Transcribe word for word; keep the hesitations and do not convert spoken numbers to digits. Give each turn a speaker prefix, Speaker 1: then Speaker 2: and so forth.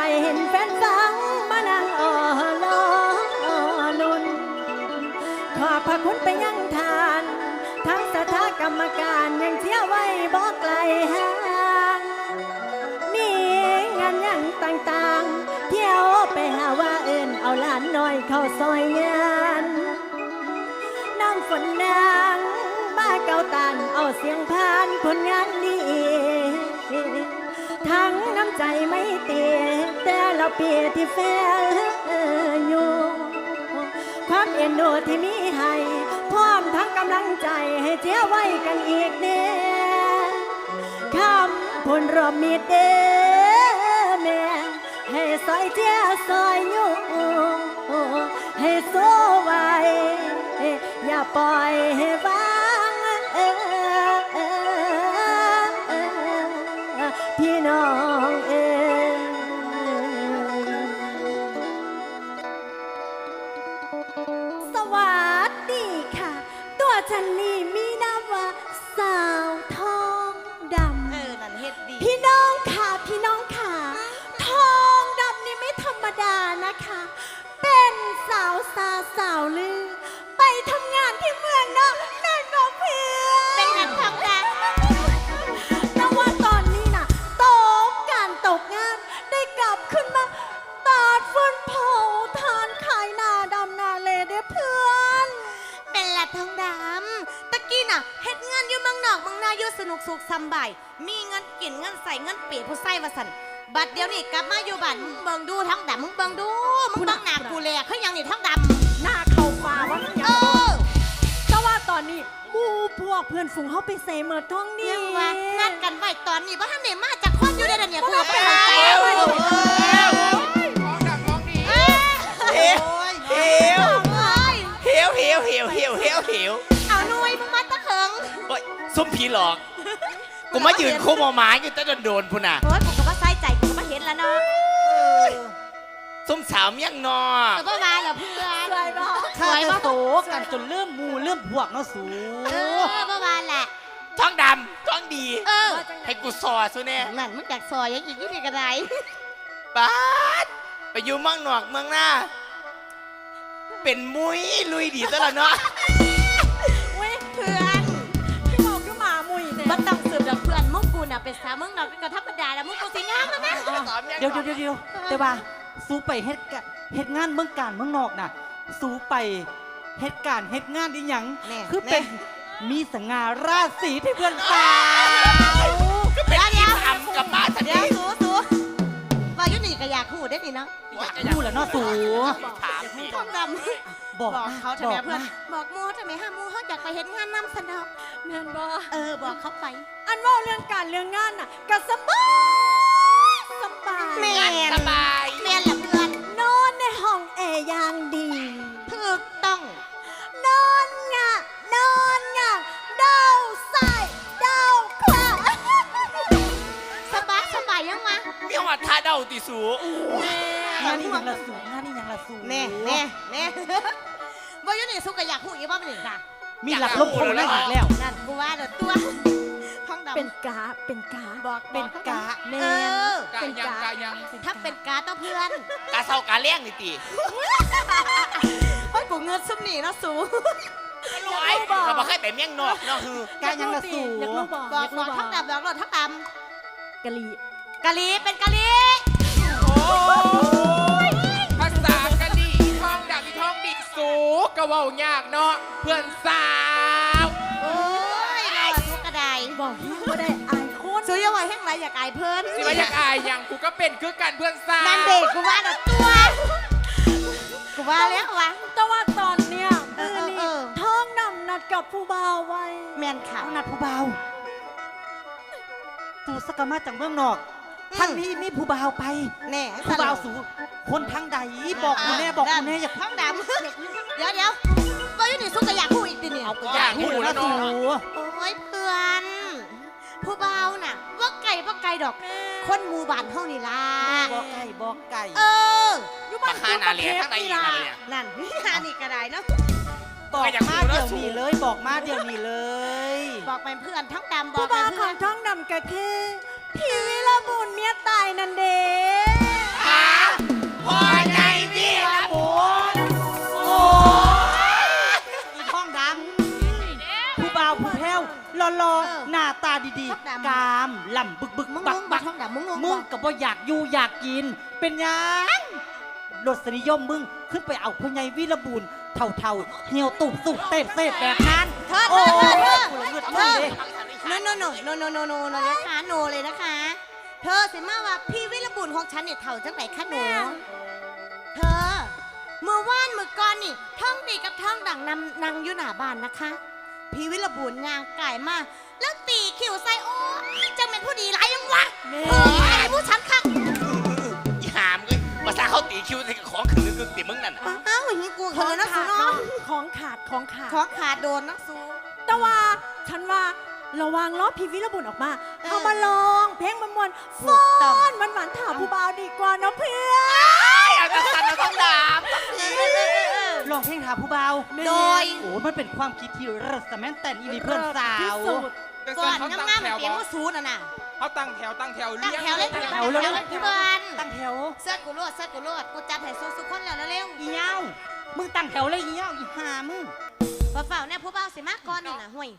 Speaker 1: เห็นแฟนฟังมานั่งอ่อลอนุนขอบพระคุณไปยังทานทั้งสถากรรมการยังเชี่ยวไว้บอกไกลห่างมีงานยังต่างๆเที่ยวไปหาว่าเอิญเอาหลานน้อยเข้าซอยงานน้ำฝนนางมาเกาตันเอาเสียงพานผลงานดีทั้งน้ำใจไม่เตียแต่เราเปียที่แฟอยู่ความเอ็นดูที่มีให้พร้อมทั้งกำลังใจให้เจ้าไว้กันอีกเน่คำพลรวมมีเด้แม่ให้ซอยเจ้าซอยอยู่ให้โซ่ไว้อย่าปล่อยให้วางพี่น้องเองสวัสดีค่ะตัวฉันนี่มีนามว่าสาวทองดำ
Speaker 2: เออนั่นเฮ็ดดี
Speaker 1: พี่น้องค่ะพี่น้องค่ะทองดำนี่ไม่ธรรมดานะคะเป็นสาวซาสาวลือไปทำงานที่เมืองนอกแม่บอกเพื่อน
Speaker 2: เป็นนักทองดำ
Speaker 1: แต่ว่าตอนนี้น่ะตกการตกงานได้กลับขึ้นมาตาดฟืนเผาทานขายหน้าดำหน้าเลเด้อเพื่อน
Speaker 2: เป็นละทองดำตะกี้น่ะเฮ็ดงานอยู่เมืองนอกเมืองนาอยู่สนุกสุขสำบายมีเงินกินเงินใส่เงินเปียผู้ใส่ว่าสั่นบัดเดี๋ยวนี้กลับมาอยู่บ้านมึงเบิ่งดูทองดำมึงเบิ่งดูมึงเบิ่งหน้ากูแลคือหยังนี่ทองดำ
Speaker 1: หน้าเข้าป่าว่ามันยัง
Speaker 2: เออ
Speaker 1: แต่ว่าตอนนี้หมู่พวกเพื่อนฝูงเขาไปเสเมิดท้องนี่
Speaker 2: ยังว่านัดกันไว้ตอนนี้บ่ทันได้มาจากคนอยู่ได้อเนี่ยกูบ่เข้าใจ
Speaker 3: เอว
Speaker 2: เออ
Speaker 3: ของดังของดี
Speaker 2: เออ
Speaker 3: เหี่ยวเหี่ยว
Speaker 2: เอ้ย
Speaker 3: เหี่ยวเหี่ยวเหี่ยวเหี่ยวเหี่ยวเหี่ยว
Speaker 2: เอาหน่วยมึงมาตะเขิง
Speaker 3: โอ้ยซุ่มผีหลอกกูมายืนโคมอหมาอยู่แต่โดนๆพุ่นน่ะ
Speaker 2: โอ้ยกูก็บ่ใส่ใจกูก็บ่เห็นแล้วเนาะเออ
Speaker 3: ซุ่มสาวเมียงนอ
Speaker 2: ก็บ่มาแล้วเพื่อน
Speaker 1: สวยบ่
Speaker 4: ข้าจะโตกันจนเริ่มมูเริ่มพวกเนาะสู
Speaker 2: เออบ่มาแหละ
Speaker 3: ท้องดำท้องดี
Speaker 2: เออ
Speaker 3: ให้กูซอซุแน่
Speaker 2: นั่นมึงอยากซอยยังอีกยี่นี่ก็ได้
Speaker 3: ป๊าดไปอยู่เมืองนอกเมืองหน้า เป็นมุ้ยลุยดีตลอดเนาะ
Speaker 1: เว้ย
Speaker 2: เพื่อน
Speaker 1: พี่บอกคือหมามุยเนี่ย
Speaker 2: บ่ต้องสืบดอกเพื่อนมึงกูน่ะเป็นสาวมึงนอกก็ธรรมดาแล้วมึงกูสิงามแล้วนะ
Speaker 4: เดี๋ยวเดี๋ยวเดี๋ยวเดี๋ยวแต่ว่าสู้ไปเฮ็ดกะเฮ็ดงานเมืองการเมืองนอกน่ะสู้ไปเฮ็ดการเฮ็ดงานอีหยัง
Speaker 2: แน่
Speaker 4: คือเป็นมีสง่าราศีที่เพื่อนสาว
Speaker 3: ก็เป็นอีทำกับป้าทัน
Speaker 2: เดี๋ยว
Speaker 3: ที
Speaker 2: สูสูว่าอยู่นี่ก็อยากคู่ได้นี่เนาะ
Speaker 4: พูดแล้วเนาะสู
Speaker 3: ถามสิ
Speaker 2: ทองดำ
Speaker 4: บอก
Speaker 2: บอก
Speaker 4: มา
Speaker 2: เขาทำไม
Speaker 4: บอก
Speaker 2: เพื่อน
Speaker 4: มา
Speaker 2: บอกมูทำไมห้ามูเขาอยากไปเห็นงานนำสนอก
Speaker 1: แม่นบ่
Speaker 2: เออบอกเขาไป
Speaker 1: อันว่าเรื่องการเรื่องงานน่ะก็สบายสบาย
Speaker 2: แม่
Speaker 3: สบาย
Speaker 2: แม่นละเพื่อน
Speaker 1: นอนในห้องแอร์อย่างดี
Speaker 2: ถูกต้อง
Speaker 1: นอนงะนอนงะเดาใส่เดาขวา
Speaker 2: สบายสบายยังวะ
Speaker 3: มีหัวท่าเดาติสู
Speaker 4: งานนี่ยังละสูงานนี่ยังละสู
Speaker 2: แน่แน่แน่ว่าอยู่นี่สุกก็อยากคู่อีกบ้างหนึ่งค่ะ
Speaker 4: มีหลักลบคนแล้วอีกแล้ว
Speaker 2: นั่นกูว่าเดี๋ยวตัวท้องดำ
Speaker 1: เป็นกาเป็นกา
Speaker 2: บอก
Speaker 1: เป็นกาแม
Speaker 2: เอน อ
Speaker 1: เป็นกา
Speaker 2: ถ้าเป็นการ์ดต้องเพื่อน
Speaker 3: กาเศร้ากาเลี้ยงนี่ตี
Speaker 2: เฮ้ยกูเงินซุ่มหนีเนาะสู
Speaker 3: ร้อยเราบอกให้ไปเมียงนอกเนาะคือก
Speaker 4: ายังละสู
Speaker 1: อยากรู้บอก
Speaker 2: บอก
Speaker 1: อยาก
Speaker 2: บ
Speaker 1: รู้
Speaker 2: อก
Speaker 1: บ
Speaker 2: ท้อง
Speaker 1: อก
Speaker 2: ดำบอกรถท้องด
Speaker 1: กะลี
Speaker 2: ำกะลีเป็นกะลี
Speaker 3: โอ้ย
Speaker 5: ภาษากะดีท่องดับอีท่องดิสูกะเว้ายากเนาะเพื่อนสาว
Speaker 2: โอ้ยนอนทุกกระได
Speaker 1: บอกแห้งบ่ได้อายคน
Speaker 2: สูยังไงแห้งไรอยากอายเพื่อน
Speaker 5: สิว่าอยากอายอย่างกูก็เป็นคือกันเพื่อนสาว
Speaker 2: นั่นเด็กกูว่าเดี๋ยวตัวกูว่าแล้ววะ
Speaker 1: แต่ว่าตอนเนี้ย
Speaker 2: เออเออเออ
Speaker 1: ท้องนำนัดกับผู้บ่าวไว้
Speaker 2: แมนค่ะ
Speaker 4: เอานัดผู้เบาสูสกามาจากเมืองนอก
Speaker 2: อืม
Speaker 4: ท่านนี้มีผู้เบาวไป
Speaker 2: แน่
Speaker 4: ผู้เบาวสูคนทางใดบอกกูแน่บอกกูแน่อย่า
Speaker 2: ท้องดำเดี๋ยวเดี๋ยวว่าอยู่นี่สุกก็อยากคู่อีกดิเนี่ย
Speaker 4: เอาอยากพูดแล้วสู
Speaker 2: โอ้ยเพื่อน ผู้เบาน่ะว่าไก่ว่าไก่ดอก คนหมู่บ้านเท่านี่ล่ะ
Speaker 4: บอกไก่บอกไก่
Speaker 2: เออ
Speaker 1: อยู่
Speaker 3: มา
Speaker 1: บ้าน
Speaker 3: คานาเลียข้างในอีกนาเลีย
Speaker 2: นั่น หานี่ก็ได้เนาะ
Speaker 4: บอก
Speaker 3: อยาก
Speaker 4: มา
Speaker 3: รู้แล้
Speaker 4: เดี๋ยว ว
Speaker 3: สู
Speaker 4: นี้เลยบอกมาเดี๋ยวนี้เลย
Speaker 2: บอกเป็นเพื่อนทั้งดำบอ
Speaker 1: ผู้
Speaker 2: กเป็
Speaker 1: บ่าวน ข
Speaker 2: เพื่
Speaker 1: อ
Speaker 2: อง น
Speaker 1: ท้องนำก็คือพี่วิรบุญเมียตายนั่นเด้
Speaker 3: ฮะ
Speaker 4: ดี
Speaker 2: ทองดำ
Speaker 4: กามล่ำบึกบึก
Speaker 2: มึง
Speaker 4: บั
Speaker 2: ง
Speaker 4: ก
Speaker 2: ง
Speaker 4: บั
Speaker 2: บ่
Speaker 4: ก
Speaker 2: ทองดำมึงงง
Speaker 4: มึ
Speaker 2: บ่
Speaker 4: งก็บ่อยากอยู่อยากกิน เป็นหยังรสนิยมมึงขึ้นไปเอาพ่อใหญ่วีรบุญเท่าเท่าๆเหี่ยวตุบสุกเต้เต้แบบนั้น
Speaker 2: เธอเธ
Speaker 4: โอ้
Speaker 2: อเธอเธ
Speaker 4: ย
Speaker 2: อ
Speaker 4: กูละเงือด
Speaker 2: เธ
Speaker 4: มึง
Speaker 2: อ
Speaker 4: เด้
Speaker 2: โนโนโนโนโนโนโนโนนะคะโนเลยนะคะ เธอสิมาว่าพี่วิรบุญของฉันเนี่ยเท่าจังไหนคะหนู เธอ เมื่อวานเมื่อก่อนนี่ท่องดีกับท่องดังนำนางอยู่หน้าบ้านนะคะ พี่วิรบุญยางไก่มาแล้วตีขิวใส่โอ้ยจังเป็นผู้ดีไรยังวะเฮ้ยไอ้ผู้ฉันคัก
Speaker 3: อีหามเลยภาษาเขาตีคิวใส่ของขืนคือตีมึงนั่นน่ะ
Speaker 2: อ้าวอย่างนี้กู
Speaker 1: ข
Speaker 2: เขา
Speaker 1: อง
Speaker 2: เลยนะ
Speaker 1: ขา
Speaker 2: สู
Speaker 1: ด
Speaker 2: เนาะ
Speaker 1: เนาะของขาดของขาด
Speaker 2: ของขาดโดนนะสู
Speaker 1: แต่ว่าฉันว่าระวังล้อพี่วิรบุญออกมา
Speaker 2: เออ
Speaker 1: เอามาลองเพลงมันมวน
Speaker 2: ถู
Speaker 1: ฟ้
Speaker 2: กต้อง
Speaker 1: อนมันหวานถามผู้บ่าวดีกว่าเนาะเพื่อน
Speaker 3: อยากจะสั่นนะต้องดาบ
Speaker 2: เออเออเออเออ
Speaker 4: ลองเพลงหาผู้เบา
Speaker 2: โดย
Speaker 4: โอ้มันเป็นความคิดที่รัสแมนแต่นอีนีเพื่อนสา
Speaker 1: ที่
Speaker 4: ว
Speaker 1: สุด
Speaker 5: แต่
Speaker 2: ก่
Speaker 5: ส่
Speaker 2: อ
Speaker 5: วน
Speaker 2: น
Speaker 5: เขาตั้ง
Speaker 2: งามๆ
Speaker 5: แถ
Speaker 2: เป็น
Speaker 5: ว
Speaker 2: เสียง
Speaker 5: บอ
Speaker 2: ว่าสูนอ่ะน่ะ
Speaker 5: เขาตั้งแถวตั้งแถว
Speaker 2: ตั้งแถวเลย
Speaker 5: ตั้
Speaker 2: ตั้ง
Speaker 5: ง
Speaker 2: แถ
Speaker 5: แถ
Speaker 2: ว
Speaker 5: ว
Speaker 2: เลยพี่เบิร์น
Speaker 4: ตั้งแถว
Speaker 2: เสื้อกูโลดเสื้อกูโลดกูจับให้สู้ๆคนแล้วเร็ว
Speaker 4: อีเย้ามึงตั้งแถวเลยอีเย้าอีหามึง
Speaker 2: ๆฝ่าๆเนี่ยผู้บ่าวสิมากก่อนนี่นะห่วย